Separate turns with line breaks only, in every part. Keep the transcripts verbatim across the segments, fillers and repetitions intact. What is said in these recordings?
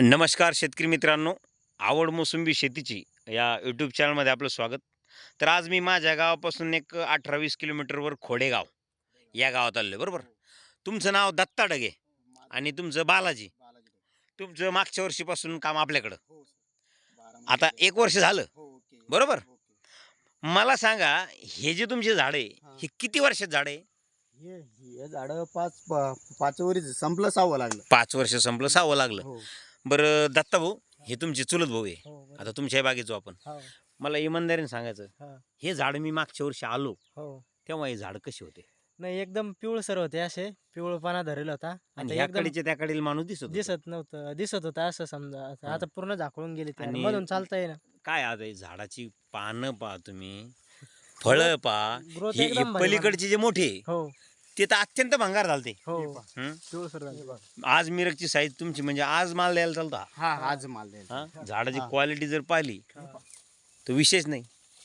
नमस्कार शेतकरी मित्रांनो, आवड मोसंबी शेतीची या यूट्यूब चॅनलमध्ये आपलं स्वागत. तर आज मी माझ्या गावापासून एक अठरा वीस किलोमीटरवर खोडेगाव या गावात आलो आहे, बरोबर. तुमचं नाव दत्ता डगे आणि तुमचं बालाजी. तुमचं मागच्या वर्षीपासून काम आपल्याकडं आता एक वर्ष झालं, बरोबर. मला सांगा, हे जे तुमचे झाड आहे हे किती वर्षात झाड आहे?
हे हे झाड पाच प- पाच वरीच संपलं सहावं लागलं.
पाच वर्ष संपलं सहावं लागलं.
हो
बरं दत्ता भाऊ, हे तुमचे चुलत भाऊ आहे.
हो बरोबर.
आता तुमच्या बागेचो आपण.
हो
मला इमानदारीने सांगायचं,
हा,
हे झाड मी मागच्या वर्षी आलो
हो
तेव्हा हे झाड कसे होते
नाही एकदम पिवळसर होते, असे पिवळपणा धरेल होता.
आणि
आता
ह्या
एकदम
कडीचे त्या कडील माणूस दिसत होता.
दिसत नव्हतं, दिसत होतं असं समजा. आता-
हा.
आता पूर्ण झाकळून गेले ते,
आणि-
मधून चालता येईना.
काय आज आहे झाडाची पानं पहा तुम्ही, फळं पहा.
ग्रोथ
हे हे
एकदम भारी
पलीकडचे जे मोठे
हो
ते तर अत्यंत भंगार झालते.
हो
हं?
पिवळसर झाले.
आज मिरगची साईज तुमची म्हणजे आज माल द्यायला चालता.
हा आज माल द्यायचा.
हा झाडाची
हा.
क्वालिटी जर पाहिली तर विशेष नाही.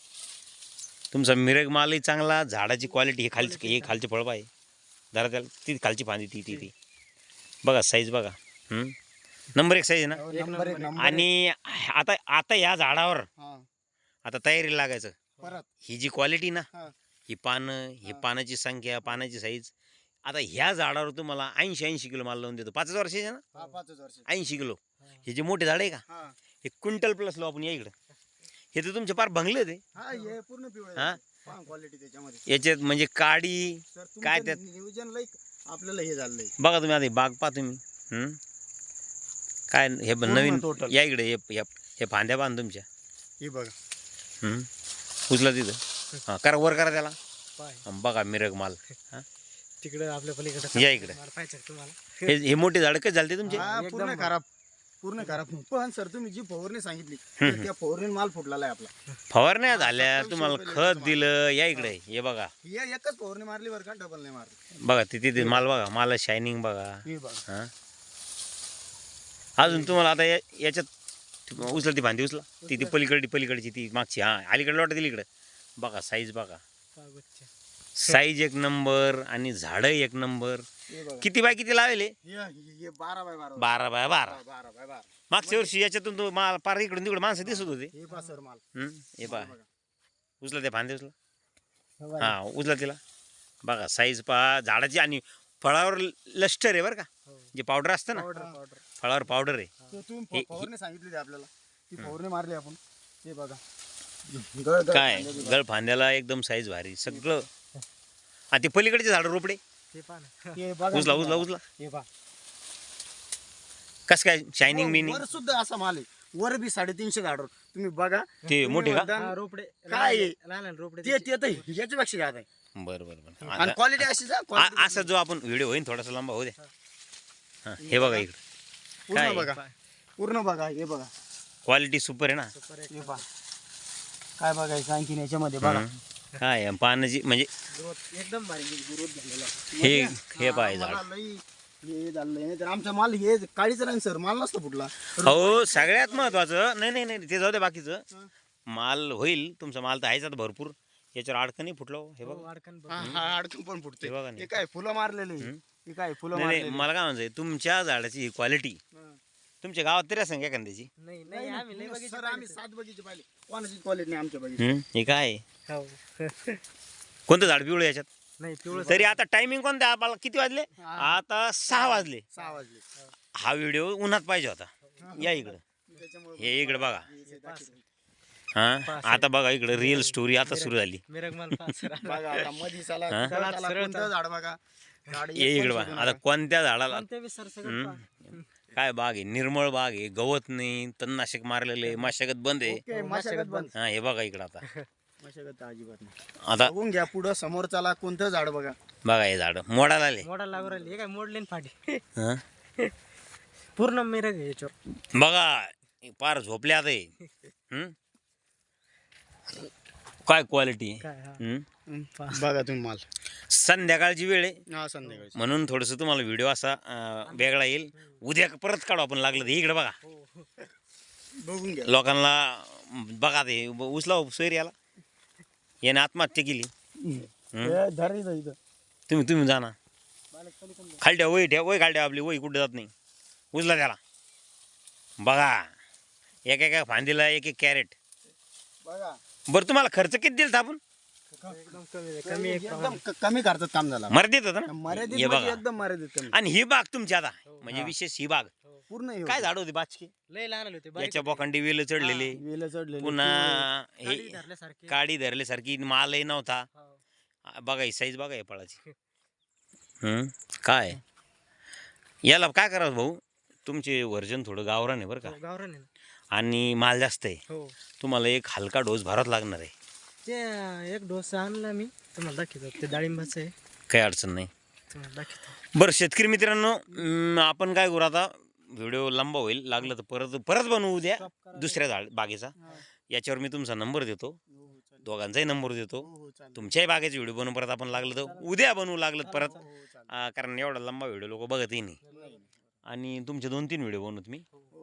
तुमचा मिरग मालही चांगला, झाडाची क्वालिटी. हे खालची हे खालचे फळ पाहिजे जरा, त्याला ती खालची फांदी ती ती ती बघा, साईज बघा. हं? नंबर एक साईज आहे ना.
हो, नंबर एक नंबर.
आणि आता आता या झाडावर
हा,
आता तयारीला लागायचं.
परत
ही जी क्वालिटी ना,
हा.
ही पानं, ही
हा.
पानाची संख्या, पानाची साईज. आता ह्या झाडावर तुम्हाला ऐंशी ऐंशी किलो माल लावून देतो. पाच वर्षाचे ना,
हा, पाचच वर्ष.
ऐंशी किलो. हे जे मोठे झाड आहे का,
हा
हे क्विंटल प्लस लावू आपण या इकडं. हे तर तुमचे फार भंगले ते.
हा हे पूर्ण पिवळे
हा?
क्वालिटी त्याच्यामध्ये.
याच्यात म्हणजे काडी
सर
काय
काय
त्यात?
नियोजन लई आपल्याला हे झालंय.
बघा तुम्ही. आता हे बाग पहा तुम्ही. हं? काय हे ब- नवीन
total.
या इकडे. हे हे- हे फांद्या बांध तुमच्या.
हे बघा
हं? उचला तिथं. हां, करा वर करा त्याला.
पाय
हं, बघा मिरग माल. हां?
तिकडे आपल्या पलीकडे
या इकडे.
पाहिजे तुम्हाला.
हे हे मोठे झाड कसे झाले तुमचे?
हा, पूर्ण खराब पूर्ण खराब. पण सर तुम्ही जी फवारणी सांगितली
हम्म.
त्या फवारणी माल फुटलेला आहे आपला.
फवारण्या झाल्या,
सत्तावीसशे
तुम्हाला
रुपये
खत
लिटर
दिलं. या इकडे. हे बघा
हे एकच फवारणी मारली बरं का, डबल नाही मारली.
बघा तिथे ते माल बघा, माल शायनिंग बघा.
हे बघा
हां, अजून तुम्हाला आता या याच्यात उचला ती फांदी, उचला ती ती पलीकडची पलीकडची ती मागची. हां, अलीकडे लोटा दिली इकडे. बघा साईज बघा, साईज एक नंबर आणि झाडं एक नंबर.
हे बघा.
किती बाय किती लावले?
हे- हे हे बारा बाय बारा
बारा बाय बारा.
बारा बाय बारा.
मागच्या वर्षी याच्यातून तो माल पार इकडून तिकडे माणसं दिसत होते.
हे पहा सर माल.
हं, हे पहा,
बघा.
उचला त्या फांदी, उचला.
हे बघा.
हां, उचला तिला. बघा साईज पहा झाडाची. आणि फळावर लष्टर आहे बरं का,
हो.
जे पावडर असतं ना,
पावडर पावडर.
फळावर पावडर आहे.
तो तुम्ही
हे-
फ- फवारणी सांगितली होती आपल्याला, ती फवारणी मारली आपण. हे बघा गळ- गळ
काय
कांद्याची बघा.
गळ फांद्याला एकदम साईज भारी सगळं. आणि ते पलीकडचे झाड रोपडे
हे पहा ना. हे बघा
उचला
ना.
उचला उचला.
हे पहा.
कस काय शायनिंग बिनिंग?
वर सुद्धा असा माल आहे. वर बी साडेतीनशे झाडावर तुम्ही बघा.
ते
तुम्ही
मोठे का?
म्हणता,
रोपडे
काय आहे?
लहान लहान रोपडे
ते ते तर याच्यापेक्षा जात आहे.
बरं बरं बरं.
आणि
आता-
क्वालिटी अशीच आहे,
आ-
quality
असा जो आपण व्हिडिओ होईन थोडासा लांबा होऊ द्या. हां, हे बघा इकडे
पूर्ण
काय?
बघा पूर्ण बघा. हे बघा
क्वालिटी सुपर आहे ना.
हे पहा काय बघायचं आणखीन याच्यामध्ये बघा.
हं. काय आहे, पानाची म्हणजे
ग्रोथ एकदम भारी ग्रोथ झालेला आहे.
हे हे
हा,
पाय
मला
झाड.
लई हे झालंय नाही तर आमचा माल हे काळीच राहील सर, माल नसतो फुटला.
हो, सगळ्यात महत्वाचं नाही नाही नाही ते जाऊ दे बाकीचं.
हं.
माल होईल तुमचा, माल तर आहेच आता भरपूर. याच्यावर अडकणी फुटलो. हे
हो,
बघा.
अडकण बघ.
हा हा अडकून पण फुटते.
हे बघा ना.
हे काय फुलं मारलेले
हं.
हे काय फुलं
नाही नाही,
मारलेले.
मला काय म्हणायचं, तुमच्या झाडाची क्वालिटी
हं.
तुमच्या गावात तरी असं एखाद्याची.
नाही नाही आम्ही लय बघितले
सर आम्ही सात बगीचे पाहिले, कोणाची क्वालिटी नाही आमच्या बगीचे.
हं, हे काय आहे?
हो.
कोणतं झाड पिवळं याच्यात?
नाही पिवळं
तरी आता टायमिंग कोणतं आपल्याला किती वाजले?
हा.
आता सहा वाजले.
सहा वाजले.
हा व्हिडिओ उन्हात पाहिजे होता. या इकडं.
त्याच्यामुळे
हे इकडे बघा.
हे दाखवलं.
हा, आता बघा इकडे रिअल स्टोरी आता सुरू झाली.
मिरगमाल पाच सर.
बघा आता मधी साला
हा?
त्याला
चला, सरळ
कोणतं झाड बघा. झाड एक
ये
पण
इकडे
सोडू
बघा. आता
नका.
कोणत्या झाडाला
कोणते बी सर सगळं
हं?
पहा.
काय बाग आहे, निर्मळ बाग आहे, गवत नाही, तणनाशक मारलेले, मशागत बंद आहे.
ओके,
हो,
मशागत
मशागत
बंद.
हा, हे बघा इकडं आता.
मशागत अजिबात नाही.
आता
बघून घ्या पुढं समोर चला कोणतं झाड बघा.
बघा हे झाड मोडाला आले.
मोडा लागू राहिली. हे काय मोडले ना फाटी.
हं?
पूर्ण मिरग आहे याच्यावर.
बघा हे पार झोपले आता हे. हं? काय क्वालिटी
काय हा.
बघा तुम्ही माल.
संध्याकाळची वेळ आहे
हा संध्याकाळी.
म्हणून थोडंसं तुम्हाला व्हिडिओ असा अं, वेगळा येईल. उद्या परत काढू आपण लागलं तर. इकडे बघा
हो, हो.
बघून घ्या.
लोकांना. बघा ते उचला सोयरी याला. याने आत्महत्या केली.
हे धर इथं इथं.
तुम्ही तुम्ही जा ना
बालक पलीकडून
खाली ठेवा. वही ठेवा, वही खाली ठेवा आपली. वही कुठे जात नाही. उचला त्याला. बघा एक एका फांदीला एक एक कॅरेट.
बघा
बरं तुम्हाला खर्च किती दिला आपण?
एकदम कमी आहे, कमी एक
एकदम क- कमी खर्चात काम झालं
मर्यादित होतं ना.
मर्यादित
हे
म्हणजे
बघा.
एकदम मर्यादित कमी
आणि ही बाग तुमची आता
हो.
म्हणजे
हा.
विशेष ही बाग
पूर्ण हे
काय
होतं.
झाड होती बाचकी
लय लहान आले होते बारीक
याच्या
होते.
बोकांडी वेल चढलेले
वेलं चढलेले
पुन्हा
काडी
हे
धरल्यासारखे.
काडी धरल्यासारखी मालही नव्हता.
हो.
आ, बघा ही साईज बघा या फळाची. हम्म काय याला काय करावं भाऊ तुमचे वर्जन थोडं गावरान आहे बरं का
हो, गावरान आहे ना.
आणि माल जास्त आहे.
हो
तुम्हाला एक हलका डोस भरावा लागणार आहे.
ते एक डोसा आणला मी तुम्हाला दाखवतो. ते डाळिंबाचं आहे,
काही अडचण नाही.
तुम्हाला दाखवतो.
बरं शेतकरी मित्रांनो अं, आपण काय करू आता व्हिडिओ लंबा होईल लागलं तर परत परत बनवू द्या
Stop करा.
दुसऱ्या झाड बागेचा.
हा.
याच्यावर मी तुमचा नंबर देतो,
हो, हो, चालेल.
दोघांचाही नंबर देतो.
हो, हो, चालेल.
तुमच्याही बागेचे व्हिडिओ बनवू परत आपण लागलं तर उद्या बनवू लागलं तर परत
हो, हो, चालेल.
अं, कारण एवढा लंबा व्हिडिओ लोक बघतही नाही.
नाही, नाही.
आणि तुमचे दोन तीन व्हिडिओ बनवत मी
हो,